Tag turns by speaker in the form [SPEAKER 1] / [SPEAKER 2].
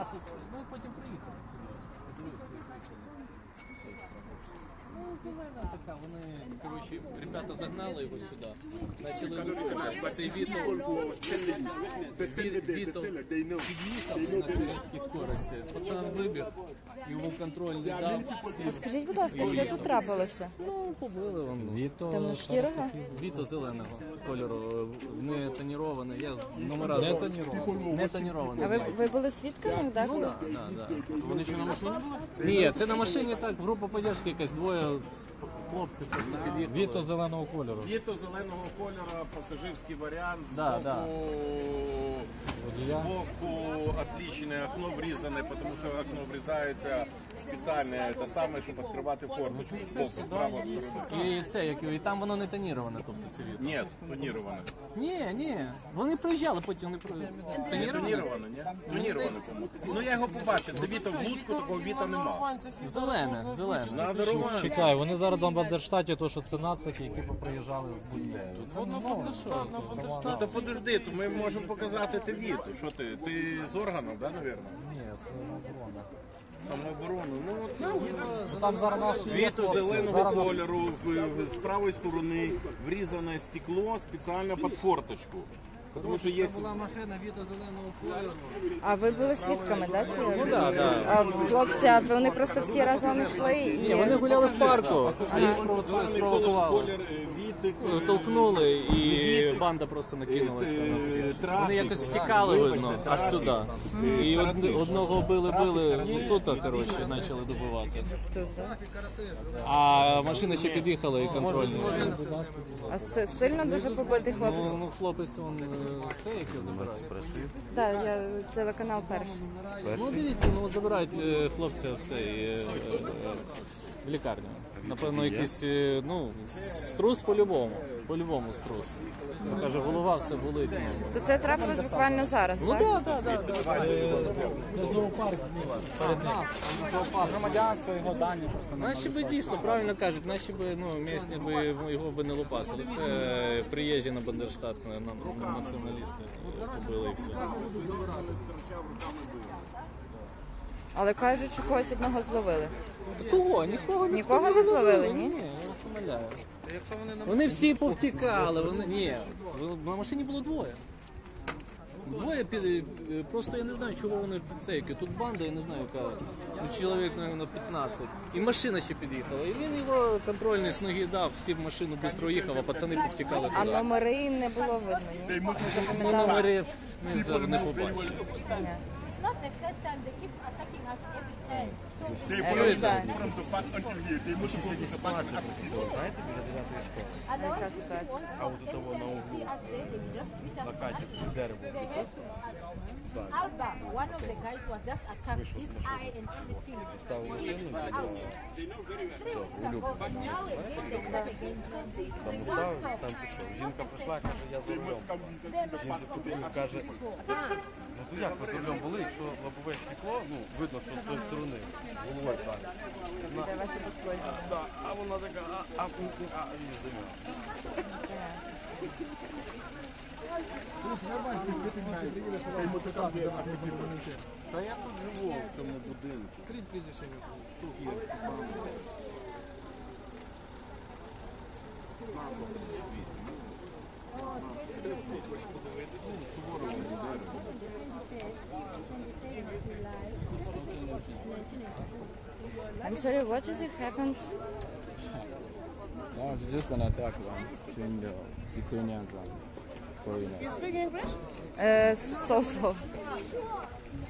[SPEAKER 1] Ну, потім приїхали сюди. Ну, зелена така, вони, коротше, ребята загнали його сюди. Почали цей Віто під'їхав на сільській скорості. Пацан вибіг, йому контроль не дав.
[SPEAKER 2] Скажіть, будь ласка, що тут трапилося?
[SPEAKER 1] Ну, побили вони.
[SPEAKER 2] Темношкірого?
[SPEAKER 1] Віто зеленого кольору, не тонірований, я номера не тонірований.
[SPEAKER 2] А ви були свідками, так?
[SPEAKER 1] Ну, так. Вони що на машині були? Ні, це на машині так, група поддержки якась, двоє хлопців просто під'їхали.
[SPEAKER 3] Віто зеленого кольору.
[SPEAKER 4] Віто зеленого кольору, пасажирський варіант, збоку отличне окно врізане, тому що окно врізається спеціальне, те саме, щоб відкривати форточку збоку, справа сторони.
[SPEAKER 1] І це, і там воно не тоніроване, тобто це Віто.
[SPEAKER 4] Ні, тоніроване.
[SPEAKER 1] Ні, вони приїжджали, потім вони
[SPEAKER 4] Тоніроване, ні? Тоніроване, по-моєму. Ну я його побачив, це Віто в Луцьку, такого Віта нема.
[SPEAKER 1] Зелене.
[SPEAKER 4] Надаруване.
[SPEAKER 3] Чекай, вони зараз на Бандерштаті, то що це нацики, які поприїжджали з будні.
[SPEAKER 4] Ну то подожди, то ми можемо показати те Віто. Що ти? Ти з органів, да, навірно?
[SPEAKER 3] Ні, самооборона.
[SPEAKER 4] Самооборону.
[SPEAKER 3] Ну там зараз наші...
[SPEAKER 4] Віто зеленого кольору, з правої сторони врізане стекло спеціально під форточку. Тому що є...
[SPEAKER 1] Була машина Віто зеленого кольору.
[SPEAKER 2] А ви були свідками, так?
[SPEAKER 1] Ну так.
[SPEAKER 2] А хлопці, а вони просто всі разом йшли і...
[SPEAKER 1] Вони гуляли в парку, а їх спровокували.
[SPEAKER 4] Колір Віти.
[SPEAKER 1] Толкнули і банда просто накинулася на всіх. Вони якось втікали, видно, аж сюди. І одного били, ну тут, коротше, почали добивати. А машина ще під'їхала і контрольна.
[SPEAKER 2] А сильно дуже побитий хлопець?
[SPEAKER 1] Ну, хлопець, він це, як його забирають?
[SPEAKER 2] Так, я телеканал перший.
[SPEAKER 1] Ну, дивіться, ну от забирають хлопця в цей в лікарню. Напевно, якийсь, ну, струс по-любому струс. Каже, голова все болить.
[SPEAKER 2] То це трапилось буквально зараз,
[SPEAKER 1] Ну
[SPEAKER 2] так?
[SPEAKER 1] так.
[SPEAKER 3] Громадянство, його дані просто...
[SPEAKER 1] Наші би дійсно, правильно кажуть, наші би, ну, місні би його би не лопасили. Це приїжджі на Бандерштат, на націоналісти побили і все.
[SPEAKER 2] Але кажуть, що когось одного зловили.
[SPEAKER 1] Кого?
[SPEAKER 2] Нікого не зловили, ні?
[SPEAKER 1] Ні, я вас умоляю. Вони всі повтікали, на машині було двоє. Просто я не знаю, чого вони підсейки. Тут банда, я не знаю, яка, чоловік, мабуть, 15. І машина ще під'їхала. І він його контрольний з ноги дав, всі в машину швидко їхав, а пацани повтікали
[SPEAKER 2] А
[SPEAKER 1] туди.
[SPEAKER 2] номери не було видно, ні?
[SPEAKER 1] Ну, номери ми зараз не побачили.
[SPEAKER 2] Ні.
[SPEAKER 5] It's not the first time they keep attacking us every time. So
[SPEAKER 2] Так.
[SPEAKER 6] From the fact until here, they must go to the back.
[SPEAKER 5] otherwise, if they want to, every time they see us there, they will just beat us back. They have to. Alba, one of the guys was just attacked, his eye and everything. Out. 3 weeks ago, but now again they start again. So they won't stop.
[SPEAKER 7] Жінка прийшла, каже, я за рулем. Жінці потрібно, каже, ну то як ви за рулем були, якщо лобове стекло, ну видно, що з тої сторони, головою так.
[SPEAKER 2] Це ваші пошкодження.
[SPEAKER 7] Да, а вона така, і заміна.
[SPEAKER 4] Та я тут живу в цьому будинку.
[SPEAKER 2] I'm sorry, what has happened?
[SPEAKER 8] No, it's just an attack between the Ukrainians and foreigners.
[SPEAKER 2] So.